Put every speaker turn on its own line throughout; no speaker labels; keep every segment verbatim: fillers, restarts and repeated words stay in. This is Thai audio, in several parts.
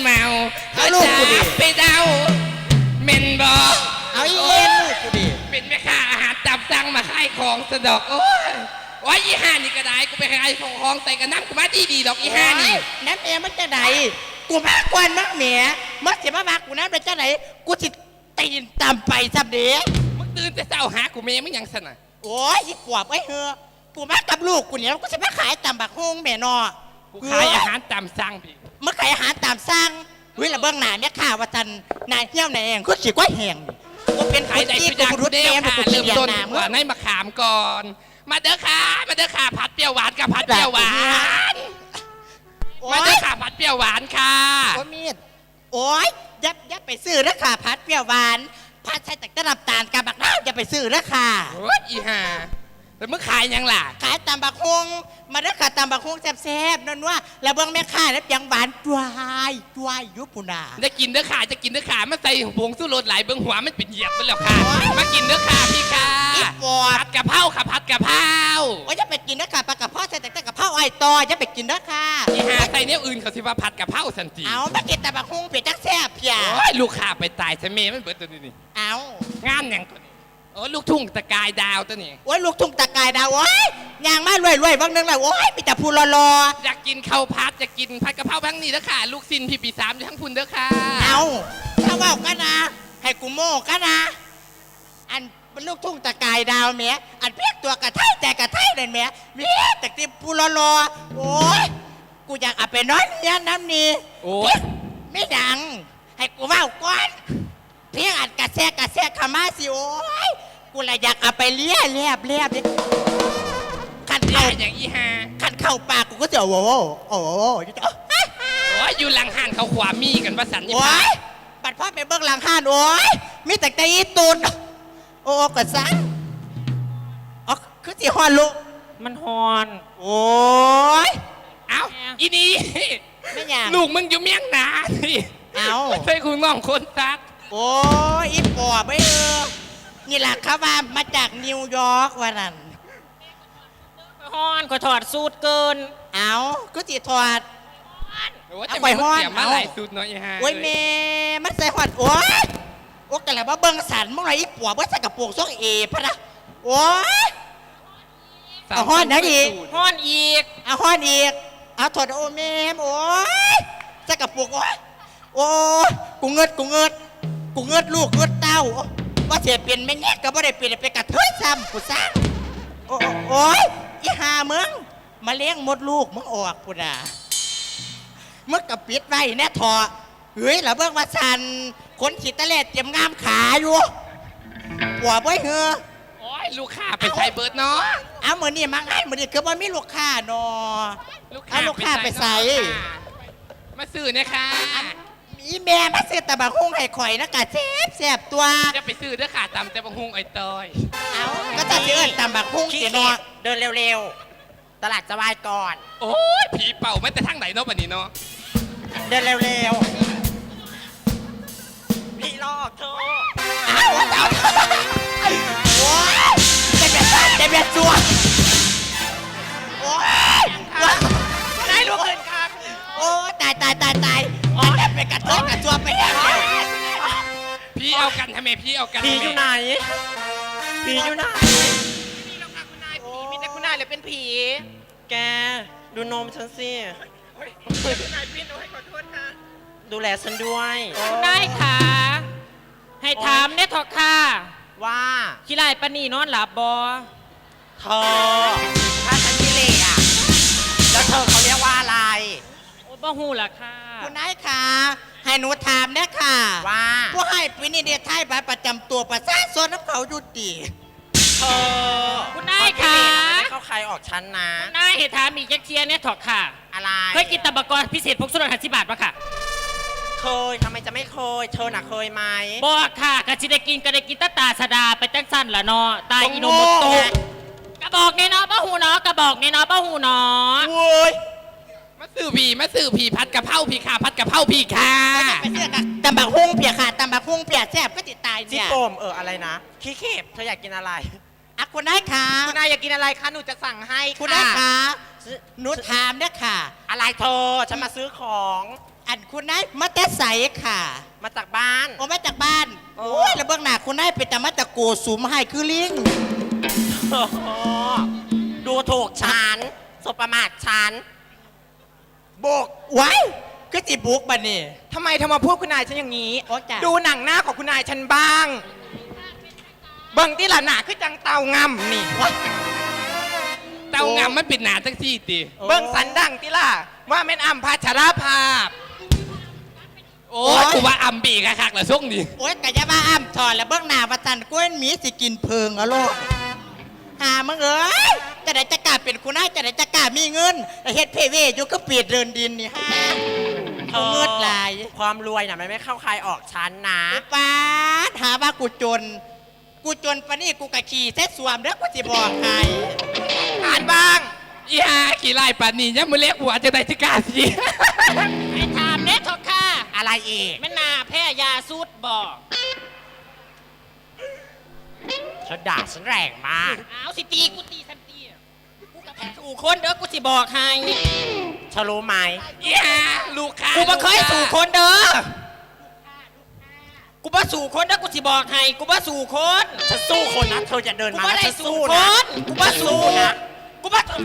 เมา
เอาลูกกูดิ
ไปเดาเมนบอ
เอาอีเอ็นลูกกูดิ
เป็นแม่ค้าอาหารจับสั่งมาขายของสะดอกโอ้ยโอ้ยอีห่านี่ก็ได้กูไปขายของของใส่กระน้ำกูมาดีดีๆดอกอีห่านี่
น้ำเอ็มันจะไหนกูมากกว่านักเหมียมักเสียมาบากกูน้ำเป็นจะไหนกูสิตีนตามไปสับเดีย
มึงตื่นแต่เช้าหากูเมย์มึงยังสนะ
โอ้ยอีปวบไอ้เฮอกูมากับลูกกูเนี่ยกูจะมาขายตามบักฮงแม่นอ
กูขายอาหารตามสั่งพี่
เมื่อขายอาหารตามสั่งเฮ้ยละเบื้องหน้าเนี่ยข่าวว่าจันนายเที่ยวนายเองกูสิก้อยแหงกูเป็น
ขายได้
ที่
ทุกอย่าง
กู
ทุ
รู้
กเดี
เดี
ย
ยว ว
ค่ะ
กู
เริ่ม
เรียน
ต้น
น้ำ
ว่าในมะขามก่อน มาเด้อค่ะมาเด้อค่ะผัดเปรี้ยวหวานกับผัดเปรี้ยวหวานมาเด้อค่ะผัดเปรี้ยวหวานค่ะ
โอ้มีดโอ้ยยับยับไปซื้อนะค่ะพัดเปรี้ยวหวานพัดใส่แต่กระดับตาลกับบักน้ำอย่าไปซื้อนะค่ะ
โอ้ยอีห่าแต่มึงขายยังล่ะ
ขายตามบักฮงมาเด้อค่ะตามบักฮงแซ่บๆนั่นว่าแล้วเบื้องแม่ค้าแล้วยังหวานจวายจวายยุปุนา
จะกินเด้อค่ะจะกินเด้อค่ะมาใส่ผงสู้รสหลายเบื้องหัวมันเป็นเหยียบไปแล้วค่ะ มากินเด้อค่ะพี่ค่ะ
อีปว
ผั
ด
ดกะเพราค่ะผัดกะเพรา
โอ้ยจะไปกินนะค่ะปลากระเพาะใส่แต่กระเพาะไอ้ตอจะไปกินนะค่ะ
อีห่าใส่เนี้ยอื่นเขาสิว่าผัดกะเพราสันติ
เอามากินแต่บักฮงเปียกจักแซ่บเพีย
โอ้ยลูกค้าไปตายซะเมย์มันเบิดตัวนี้นี่
เอา
งานอย่างตัวนี้โอ้ยลูกทุ่งตะกายดาวตัวนี้
โอ้ยลูกทุ่งตะกายดาวโอ้ยยางมารวยรวยๆบางนึงเลยโอ้ยมีแต่พูรอรอ
อยากกินข้าวผัดอยากกินผัดกะเพราทั้งนี้เด้อค่ะ ลูกซินพี่ปีสามอยู่ทั้งพุ่นเด้อค่ะ
เอาถ้าว่ากันนะ ให้กูโม่กันนะ อันเป็นลูกทุ่งตะกายดาวเมียอันเพียกตัวกระไทยแต่กระไทยเลยเมียเมียแต่ที่พูรอรอโอ้ยกูอยากเอาไปนอนเนี่ยน้ำนี่
โอ้ย
ไม่ดัง ให้กูเว่าก่อนเพียงอันกระแซกกระแซกขามาสิโอ้ยกูเลยอยากเอาไปเลี้ยเลียบเลียบเลยขัน
เดี๋ย
เข้าว
อย่างอีห่า
ขันเข้าปากกูก็จะโอ้โหโอ้โห
โอ้ยอยู่หลังหันเขาขวามีกันประสันยี่
โอ้
ห้าย
บัดพ่อไปเบิ้งหลังห้านโอ้ยมีแต่ใจอีตุนโอ้กระซังอ๋อคือสิฮอนลูก
มันฮอน
โอ้ย
เอ้าอีนี่
ไม่อยาก
ลูกมึงอยู่เมียงหนาสิ
เอ้า
ไม่ใช่คุณน้องคนซัก
โอ้ยอีปอบไม่เออนี่แหละครับว่ามาจากนิวยอร์กวันนั้น
ฮอนก็ถอดสูตรเกิน
เอาก็สิถอด
โอ้ย
เอา
จะ
ไป
ไป
ฮ้อน
เสียมา
เอา
หลายสุดเนาะอีห่า
โอ้ยเมมันใส่หอดโอ้ยโอ้กันแล้วว่าเบิ้งสันมึงไรอีปอบว่าใส่กระโปรงซอกเอพะนะโอ้ย เอาฮ้อนนะอีก
ฮอนอีก
เอาหอดอีกเอาถอดโอ้เมมโอ้ยใส่กระโปรงโอ้ยโอ้ยกูเงิดกูเงิดกูเงิดลูกเงิดเต้าว่าเสียเปลี่ยนไม่เงี้ยก็บ่ได้เปลี่ยนเป็นกระเทยซ้ำกูซ้ำโอ้โอ้ยอีหามึงมาเลี้ยงมดลูกมึงออกกูด่า มึงกับปิดไว้แน่ทอเฮ้ยแล้วเบิ่งว่าสันคนขีดตะเล็ดเตรียมงามขาอยู่หัวบ่เหอ
โอ้ยลูกค้าไปใช้เบิร์ดเนาะ
เอามือนี่มาง่ายมือนี่คือว่ามีลูกค้าเนอ เอาลูกค้าไปใส่
เนาะค่ะมาซื้อเนะคะ
มีแม่มาซื้อตะบักฮุ้งให้ข่อยนะกะแซ่บแซ่บตัว
จะไปซื้อเด้อค่ะตำแต่บางฮุงไอ้ตอย
เอาก็จะซื้อตำบักฮุ้ง
ขี้
เสีย
เกี
เน
ย
อ
จเดินเร็วๆ ตลาดจะวายก่อน
โอ้ยผีเป่าไม่แต่ทางไหนเนาะบัดนี้เนาะ
เดินเร็วๆ พี่ลอกเธอ
เอาเอาโอ้ยเด็ดเด็ดเด็ดเด็ดตัวโอ้ย
ได้ลูกเงินครับ
โอ้ยตายตายตายตายอ๋อเป็นกระเทยกระตัวไปแล้ว
พี่เอากันทำไมพี่เอากัน
ผี
ทำไม
อยู่ไหน ผีอยู่ไหน
ผีมีแต่คุณนายเลยเป็นผี
แก ดูนมฉันสิ ดูแลฉันด้วย
คุณนายค่ะ ให้ถามเนี่ยทอะค่ะ
ว่า
ขี้ลายปานนีนอนหลับบอ
เธอ ถ้าฉันกิเลสอ่ะ แล้วเธอเขาเรียกว่าอะไร
โอ้บ่หูล่ะค่ะ
คุณนายค่ะให้หนูถามนะค่ะ
ว่า
ผู้ให้ปีนี้เดียไทยบัตรประจำตัวประชาชนน้ำเขาอยู่ดี
เธอ
คุณนายค่ะ
ไม่เข้าใครออกฉันนะ
คุณนายให้ถามอีกจักเทียเนี่ยทอะค่ะ
อะไร
เคยกินตับกรพิเศษพกสุรหัสสิบาทปะค่ะ
เคยทำไมจะไม่เคย เธอน่ะเคยไหม
บอกค่ะกะจิได้กินก็ได้กินตาตาสดาไปจังสั้นละเนาะตายอิโนโมโตะกระบอกเนี่ยเนาะป้าหูเนาะกระบอกเนี่ยเนาะป้าหูเนาะ
โว้ย
มาซื้อผีมาซื้อผีผัดกะเพราผีค่ะผัดกะเพราผีค่ะ
ไปเสื้อกับตำบักฮุ้งเปียกค่ะตำบักฮุ้งเปียกแซ่บก็ติดตาย
จิ
เนี่ย
โปมเอออะไรนะ ขี้เข็บเธออยากกินอะไร
อ่ะคุณนายค่ะ
คุณนายอยากกินอะไรคะ หนูจะสั่งให้
คุณนายค่ะหนูถามนะค่ะ
อะไรเธอ ฉันมาซื้อของ
อันคุณนายมาแต่ใสค่ะ
มาจากบ้าน
โอ้มาจากบ้าน
โอ้
โอ้ยแล้วเบื้องหน้าคุณนายเป็นแต่มาตะโกสุมให้คือลิง
โอ้โหดูถูกฉันสบประมาทฉัน
บุกไว้ก็จิบุกบันนี่
ทำไมเธอมาพูดคุณนายฉันอย่างนี้
โอ๊ยจ้ะ
ดูหนังหน้าของคุณนายฉันบ้าง เบิ่งที่หลานหนาคือจังเตางำนี่
เต้างามมันเป็นหนาจังซี่ติ
เบิ่งสันดังที่ล่ะ ว่าแม่นอัมพาชราภาพ
โอ้ยกูว่าอัมบีกะคักละช่วงนี้
โอ้ยกะยาบ้าอ้ำถอดแล้วเบื้องหน้าประจันกล้วยหมีสิกินเพิงเอาโลกหามึงเอ้ยจะได้จะกล้าเป็นคุณนายจะได้จะกล้ามีเงินแต่เฮ็ดเพเวอยู่ก็เปียดเดินดินนี่ฮะเอาเงินหลาย
ความรวยน่ะมันไม่เข้าใครออกฉันนะ
อุปาทหาว่ากูจน กูจนปะนี่กูกะขี่เซ็ตสวมเด้อกูสิบอกใคร
อ่านบ้าง
อีหากี่ไล่ปานนี้ยังมือเล็กหัวจะได้จะกล้าสิ
ไอ้ถามเน็ตเถอะค่ะ
อะไรอีก
แม่นาแพ้ยาสูดบอก
ฉันด่าฉันแรงมาก
เอาสิตีกูตีสันตีกูกับสู่คนเด้อกูสิบอกให้
เธอรู้ไหม
อีหาลูกค้า
กูบ่เคยสู่คนเด้อกูบ่สู่คนเด้อกูสิบอกให้กูบ่สู่คน
ฉันสู้คนนะเธออย่าเดิน
กู
มา
บ่
นะ
ได้
ฉัน
สู่
สู้
ค
นะ
นกูบ่สู่
นะ
กูบ่สู่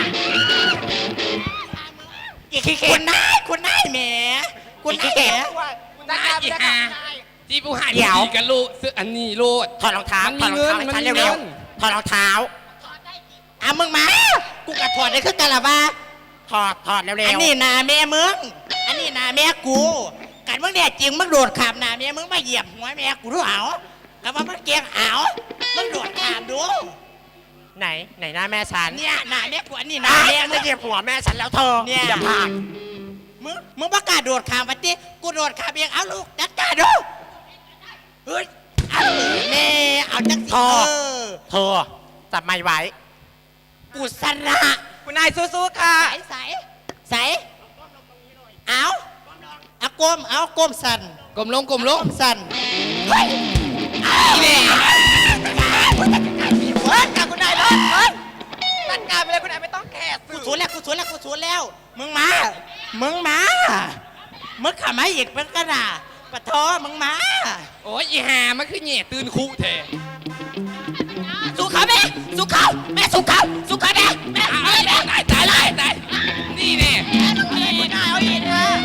อีกขี้เกี
คุ
ยจ
ณนายคุณนายแหมคุณนายแหม
ได้อีหาจีบูหาย
เดี๋ยว
ดีกันลูกซื้ออันนี้โลด
ถอดรองเท้า
มัน
ถ
มี
อดรองเท้าให้
เงิน
ฉัน
มันมี
เร็ว
เงิน
ๆถอดรองเท้า
อ่ะมึงมา กูกะถอดได้คือกันละว่า
ถอดถอดเร็วๆ
อันนี้นาแม่มึง อันนี้นาแม่กูกันมึงเนี่ยจริงมึงโดดขามนาแม่มึงมาเหยียบหัวแม่กูด้วยเอาแต่ว่ามึงเกียงเอามึงโดดขามดู
ไหนไหนหน้าแม่ฉัน
เนี่ยนาแม่กูอันนี้
น้า
นา
แม่
แม่
ไม่
มึง
เหยียบหัวแม่ฉันแล้วเธอ
เนี่ย
อย่าพลาด
มึงมึงประกล้าศโดดขามปฏิกูโดดขามเองเอาลูกจัดการดูเฮ้ยเอาแม่เอาจังสิเออ
เธอจับไม้ไว้
กูสระ
คุณนายสู้ๆค่ะ
ใสใสใสเอาเอาก้มเอาก้มสั่น
กลมลงกลมลง
ก้มสั่น
อีเนี่ย
เฮ้ยกับคุณนายเลยเฮ้ยจัดการไปเลยคุณนายไม่ต้องแคร์
กู
สื่อ
สวนแล้วกูสวนแล้วกูสวนแล้ว มึงมา มึงมา มึงขามาอีกเป็นกระดาปะทอมึงมา
โอ้ยอีหามันคือแง่ตื่นคู่แท้
สู่เขาแม่สู่เขาแม่สู่เขาสู่เขาแม่แม่
อ้าว
เอาแม่
ตายตายตายตายนี่แน่
เอาอีกเอาอีกนะ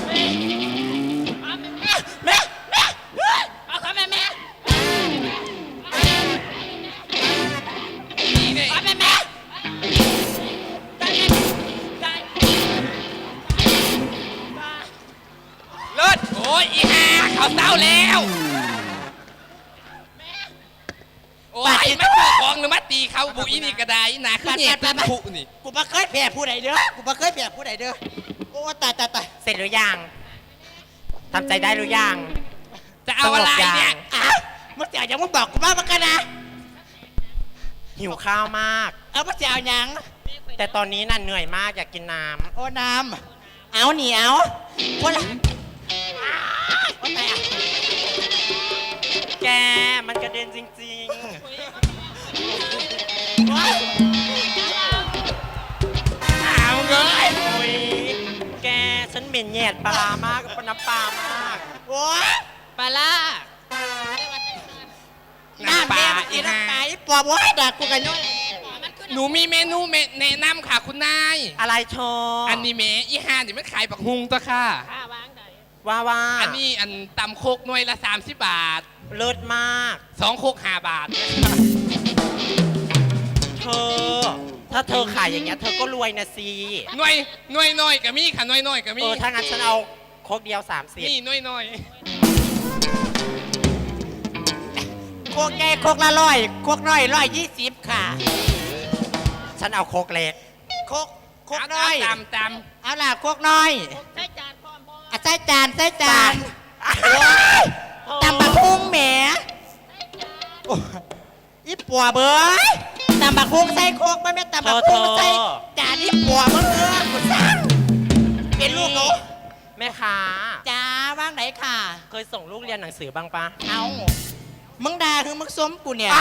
แม่แม่เอาเขาแม่แม่
นี่แน่
เอาแม่แม่ได้ได้
เลิศโอ้ยอีหาเขาเศร้าแล้วโอ้ยมาถือของหรือมาตีเขาบุอีนี่ก็ได้นะคือแง่ตื่นคู่นี่
กูมาเคยแพ้ผู้ใดเด้อ กูมาเคยแพ้ผู้ใดเด้อ โอ้ตายตายตาย
เสร็จหรือยังทำใจได้หรือยัง
จะเอาอะไรเนี่ย
อ้าวมึงจะเอาอย่างมึงบอกกูมาเมื่อกันนะ
หิวข้าวมาก
เอามึงจะเอาอย่าง
แต่ตอนนี้น่ะเหนื่อยมากอยากกินน้
โอ้น้ำเอาหนีเอาคนละอ้าวโอ้ตายอ่ะ
ำแกมันกระเด็นจริง
โอ้ย
เอาเลย
ๆโอ้ยแกฉันเหม็นแยดปลาร้ามากกับน้ำปลามาก
โอ้ย
ปลาล่า
น้ำแม่มึงกินน้ำปลาอีปอบโอ้ยด่ากูกันย้อย
หนูมีเมนูเมแนะนำค่ะคุณนาย
อะไรเธอ
อั
อั
นนี้เมอีหานี่มันขายปักฮุงตัวค่ะ
ข้าวางไหน
ว่าว่า
อันนี้อันตำโคกหน่วยละสามสิบบาท
เลิศมาก
สองโคกห้าบาท
เธอ ถ้าเธอขายอย่างเงี้ยเธอก็รวยนะสิ
หน่วยหน่วยน้อยกับมีค่ะหน่วยน้อยกับมี
เออถ้างั้นฉันเอาโคกเดียวสามสิบ
นี่หน่วยน้อย
โคกใหญ่โคกละร้อยโคกน้อยร้อยยี่สิบค่ะ
ฉันเอาโคกเล็ก
โคกโคก
เอา
น้อย
ตามตาม
เอาล่ะโคกน้อย
ใช้จานพร้อมบ่
อ่ะใส่จานใส่จานโอ้ยตำบักหุ่งแหมโอ้ยอีปัวเบ้ยตำบักหุ่งใส่โคกไม่แม่นตำบักหุ่งใส่จานอีปัวเบ้ยกูสั่งเป็นลูกเขา
แม่ค้า
จ้าว่างไหนค่ะ
เคยส่งลูกเรียนหนังสือบ้างปะ
เอามึงด่าคือมึงส้มกูเนี่ย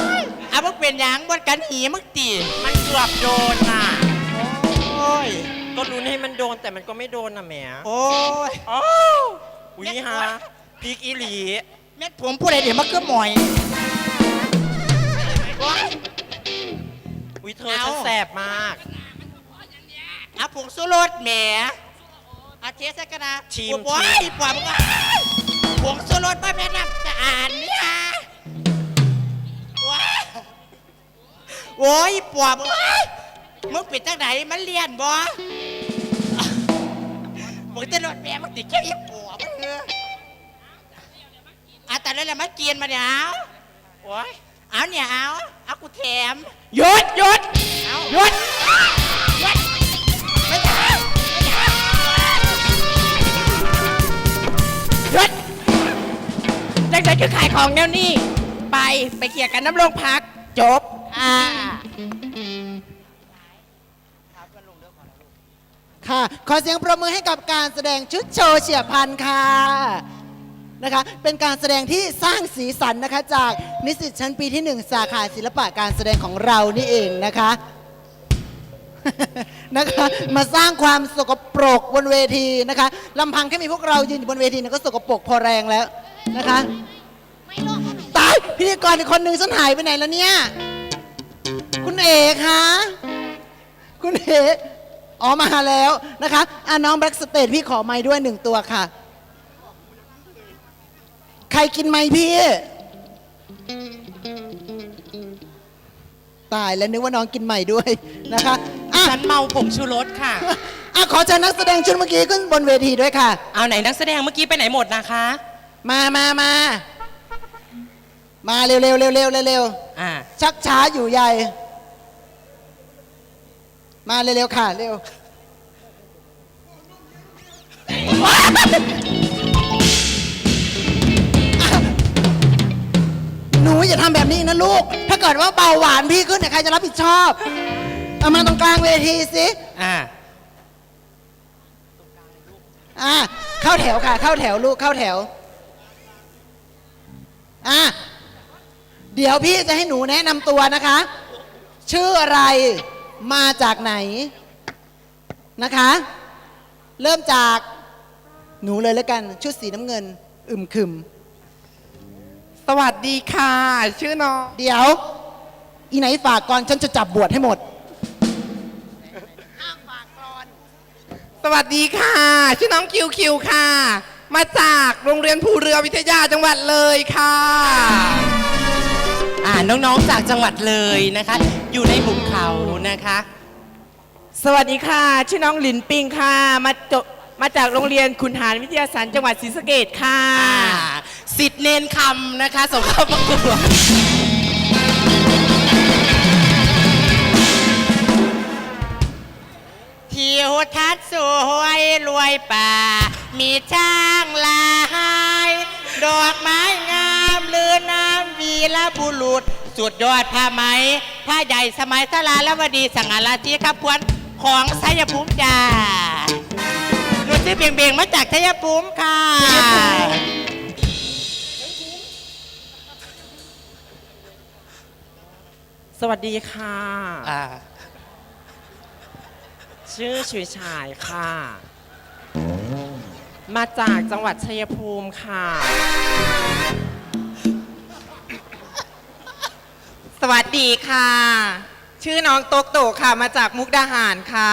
เอามึงเป็นหยังบนกันหีมึงตี
มันเกือบโดนน่ะ
โอ้ย
ก็ลุ้นให้มันโดนแต่มันก็ไม่โดนนะแหม
โอ้ย
อ้าวอุ้ยฮะพริกอีหลี
เม็ดผมผู้ใดเดี๋ยวมาเกือบหมอยโอ๊ย
อุ้ยเธอ
เอา
ฉันแสบมาก
เอาผงสู้รสแหมเอาเทสกันนะ
ชิม
โอ้ยปล่อยมึงอ่ะผงสู้รสบ้าแม่น้ำจะอ่านเนี่ยว้ายโอ้ยปอบมึงเอ้ยมึงปิดตั้งไหนมันเลียนบ่มึงจะโดนแม่มึงติดแค่อีปอบมึงเอออ่ะแต่แล้วแหละมาเกียนมาเนี่ยเอาโอ้ยเอาเนี่ยเอาเอากูแถมหยุดหยุดเอาหยุดหยุดไม่ใช่ไม่ใช่หยุด
จังใจคือขายของแนวนี้ไปไปเขี่ยกันน้ำลงพัก จบอ่า
ค่ะ ขอเสียงปรบมือให้กับการแสดงชุดโชว์เฉียบพลันค่ะนะคะ เป็นการแสดงที่สร้างสีสันนะคะ จากนิสิตชั้นปีที่หนึ่งสาขาศิลปะการแสดงของเรานี่เองนะคะ นะคะมาสร้างความสกปรกบนเวทีนะคะลำพังแค่มีพวกเรายืนอยู่บนเวทีเนี่ยก็สกปรกพอแรงแล้วนะคะตายพิธีกรอีกคนนึงฉันหายไปไหนแล้วเนี่ยคุณเอกคะคุณเอกอ๋อมาแล้วนะคะอ่ะน้องแบล็กสเตทพี่ขอไม้ด้วยหนึ่งตัวค่ะ ใครกินไม้พี่ ตายแล้วนึกว่าน้องกินใหม่ด้วยนะคะอ่ะ
ฉันเมาผงชูรสค่ะ
อ่ะขอเชิญนักแสดงชุดเมื่อกี้ขึ้นบนเวทีด้วยค่ะ
เอาไหนนักแสดงเมื่อกี้ไปไหนหมดนะคะ
มามามา มาเร็วเร็วเร็วเร็วเร็ว
อ่า
ชักช้าอยู่ใหญ่ มาเร็วๆค่ะ เร็ว หนูอย่าทำแบบนี้นะลูก ถ้าเกิดว่าเบาหวานพี่ขึ้นเนี่ยใครจะรับผิดชอบ เอามาตรงกลางเวทีสิ
อ่า
อ่ะเข้าแถวค่ะ เข้าแถวลูกเข้าแถว อ่ะเดี๋ยวพี่จะให้หนูแนะนำตัวนะคะ ชื่ออะไรมาจากไหนนะคะ เริ่มจากหนูเลยแล้วกันชุดสีน้ำเงิน อึมครึม
สวัสดีค่ะ ชื่อน้อง
เดี๋ยว อีไหนฝากก่อนฉันจะจับบวชให้หมด
สวัสดีค่ะ ชื่อน้องคิวคิวค่ะ มาจากโรงเรียนภูเรือวิทยาจังหวัดเลยค่ะ
อ่าน้องๆจากจังหวัดเลยนะคะ อยู่ในหุบเขานะคะ
สวัสดีค่ะ ชื่อน้องหลินปิงค่ะ มาจบมาจากโรงเรียนขุนหารวิทยาศาสตร์จังหวัดศรีสะเกษค่ะ
อ่าสิทธิ์เนนคำนะคะส่งเข้าประกวด
ทิวทัศน์สวยรวยป่า มีช้างลายดอกไม้งามลือน้ำวีรบุรุษ สุดยอดผ้าไหมผ้าใหญ่สมัยสลาลวดีสังหาราชีขับพวนของชัยภูมิจ้าหนูชื่อเบียงเบียงมาจากชัยภูมิค่ะ
สวัสดีค่ะ
อ่า
ชื่อฉุยฉายค่ะ มาจากจังหวัดชัยภูมิค่ะ สวัสดีค่ะ ชื่อน้องโตกโตค่ะ มาจากมุกดาหารค่ะ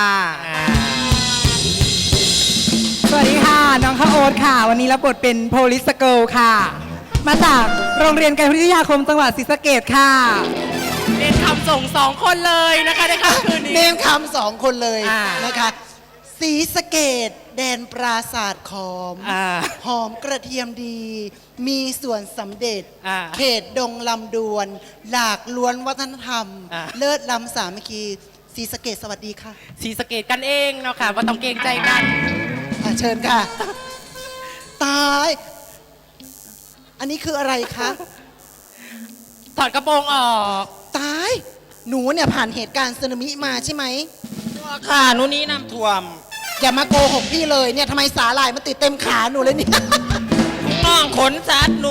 สวัสดีค่ะ น้องข้าวโอ๊ตค่ะ วันนี้รับบทเป็นโพลิสเกิลค่ะ มาจากโรงเรียนการวิทยาคมจังหวัดศรีสะเกษค่ะ
เนนคำส่งสองคนเลยนะคะในค่ำคืน
เน
นี้
มคำสองคนเลย
อ่า
นะคะสีสะเกตแดนปราศาสตร์ขอม
อ่า
หอมกระเทียมดี มีส่วนสำเร็จ
อ่า
เขตดงลำดวน หลากล้วนวัฒนธรรม
อ่า
เลิศล้ำสามัคคีสีสะเกตสวัสดีค่ะ
สีสะเกตกันเองเนาะค่ะว่าต้องเกรงใจกัน
อ่ะเชิญค่ะ ตาย อันนี้คืออะไรคะ
ถอดกระโปรงออก
ตาย หนูเนี่ยผ่านเหตุการณ์สึนามิมาใช่ไหม
ค่ะนู่นนี่น้ำท่วม
อย่ามาโกหกพี่เลยเนี่ยทำไมสาหร่ายมันติดเต็มขาหนูเลยเนี่ย
น้องขนสัตว์หนู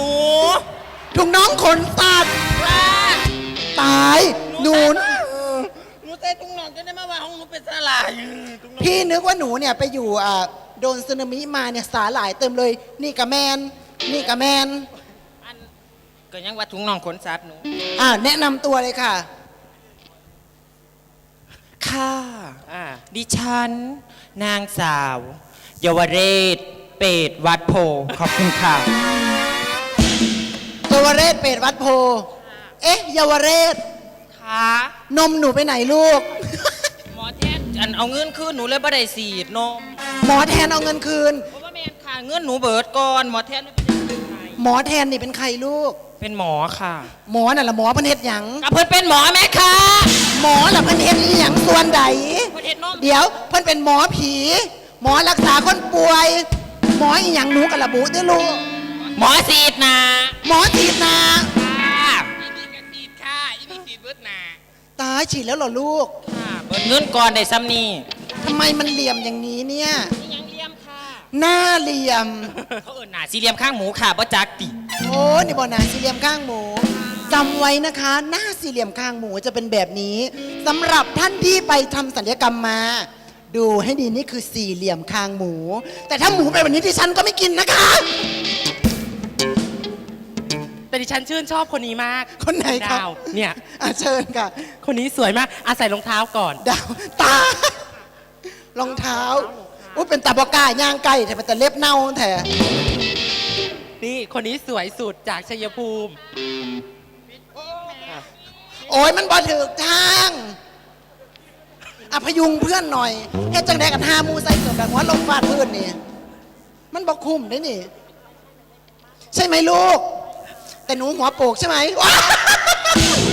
ถุงน้องขนสัตว์ตายหนู
หนู
ใส่ถุงน่องจะได้มาว่าของหนูเป็นสลายถุงน่อง
พี่นึกว่าหนูเนี่ยไปอยู่อ่าโดนสึนามิมาเนี่ยสาหร่ายเต็มเลย นี่กะแมน นี่กะแมน
อันก็ยังว่าถุงน่องขนสัตว์หนู
อ่าแนะนำตัวเลยค่ะ
ค่ะ
อ่า
ดิฉัน นางสาว เยาวเรศ เปรตวัดโพขอบคุณค่ะ
เยาวเรศเปรตวัดโพ เอ๊ะเยาวเรศ
ค่ะ
นมหนูไปไหนลูก
หมอแทนอันเอาเงินคืนหนูเลยบ่ได้สีดนม
หมอแทนเอาเงินคืน
เพราะว่าแม่นค่ะเงินหนูเบิดก่อนหมอแทนไม่เป็นไร
หมอแทนนี่เป็นใครลูก
เป็นหมอค่ะ
หมอน่ะละหมอเพันเฮ็ดหยัง
กับเพิ่นเป็นหมอแม่ค่ะ
หมอละเพันเฮ็ดอีหยังส่วนใด
เพิ่นเฮ็ดนม
เดี๋ยวเพิ่นเป็นหมอผี หมอรักษาคนป่วย หมออีหยังหนูกับระบุด้วยลูก
หมอสีดนะ
หมอฉีดนา
ค่ะ
อีนี่กระตีดค่ะอีนี่ตีดเบิดหนา
ตายฉีดแล้วเหรอลูก
ค่ะเบิดเงินก่อนได้ซ้ำนี่
ทำไมมันเหลี่ยมอย่างนี้เนี่ย
นี่ยังเลี่ยมค่ะ
หน้าเหลี่ยม
เขาเอิ้นหน้าสี่เหลี่ยมข้างหมูค่ะบ่จักติ
โอ้นี่บอหนาสี่เหลี่ยมข้างหมูจำไว้นะคะ หน้าสี่เหลี่ยมข้างหมูจะเป็นแบบนี้สำหรับท่านที่ไปทำศัลยกรรมมา ดูให้ดีนี่คือสี่เหลี่ยมคางหมู แต่ถ้าหมูเป็นแบบนี้ที่ฉันก็ไม่กินนะคะ
แต่ดิฉันชื่นชอบคนนี้มาก
คนไหนครับ
ดาวเนี่ย
อ่ะเชิญค่ะ
คนนี้สวยมากอาศัยรองเท้าก่อน
ดาวตารองเท้าอุ้ยเป็นตาบอกล้าย่างไก่แต่เป็นแต่เล็บเน่าแท้
นี่คนนี้สวยสุดจากชัยภูมิ
โอ้ยมันบอถือทางอ่ะพยุงเพื่อนหน่อยเฮ็ดจังไดกันหาหมูใส่เกือบแบบหัวลงฟาดพื้นนี่มันบอกคุ้มได้นี่ ใช่ไหมลูก แต่หนูหัวโปกใช่ไหมว้าว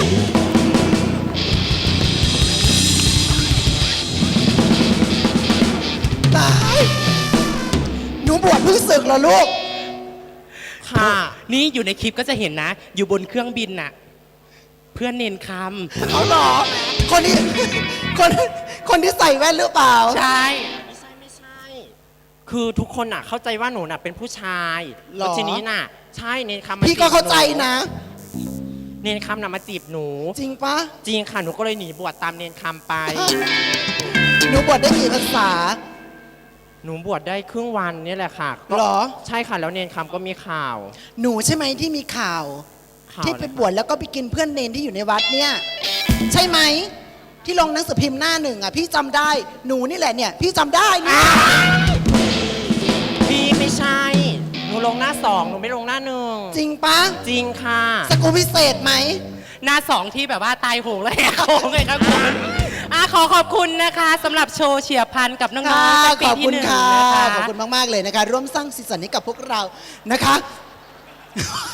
ตายหนูบวชเพิ่งศึกเหรอลูก
ค่ะ นี่อยู่ในคลิปก็จะเห็นนะ อยู่บนเครื่องบินน่ะ เพื่อนเนนค
เอาเหรอ คนที่ คนคนที่ใส่แว่นหรือเปล่า
ำใช่
ไม่ใช่ไม่ใช่ คือทุกคนน่ะเข้าใจว่าหนูน่ะเป็นผู้ชาย
หรอ
แล้วทีนี้น่ะ ใช่เนนคำมา
พี่ก็
จีบ
เข้าใจ
ห
นะ
เนนคำน่ะมาจีบหนู
จริงปะ
จริงค่ะหนูก็เลยหนีบวชตามเนนคำไป
หนูบวชได้กี่ภาษา
หนูบวชได้ครึ่งวันนี่แหละค่ะก็
หรอ
ใช่ค่ะแล้วเนนคำก็มีข่าว
หนูใช่ไหมที่มีข่าว
ข่าว
ที่ไป
อะไรคะ
บวชแล้วก็ไปกินเพื่อนเนนที่อยู่ในวัดเนี่ย ใช่ไหม ที่ลงหนังสือพิมพ์หน้าหนึ่งอ่ะ พี่จำได้ หนูนี่แหละเนี่ย พี่จำได้เนี่ย
พี่ไม่ใช่ หนูลงหน้าสองหนูไม่ลงหน้าหนึ่ง
จริงปะ
จริงค่ะ
สกูพิเศษไหม
หน้าสองที่แบบว่าตายโหงเลยโหงเลยครับคุณอ่ะขอขอบคุณนะคะสำหรับโชว์เฉียบพลันกับน้อง
ค่ะ
ๆจากปี
ขอบ
ที่
คุณ
หนึ่ง
ค่ะ
นะคะ
ขอบคุณมาก ๆ เลยนะคะ ร่วมสร้างสีสันให้กับพวกเรานะคะ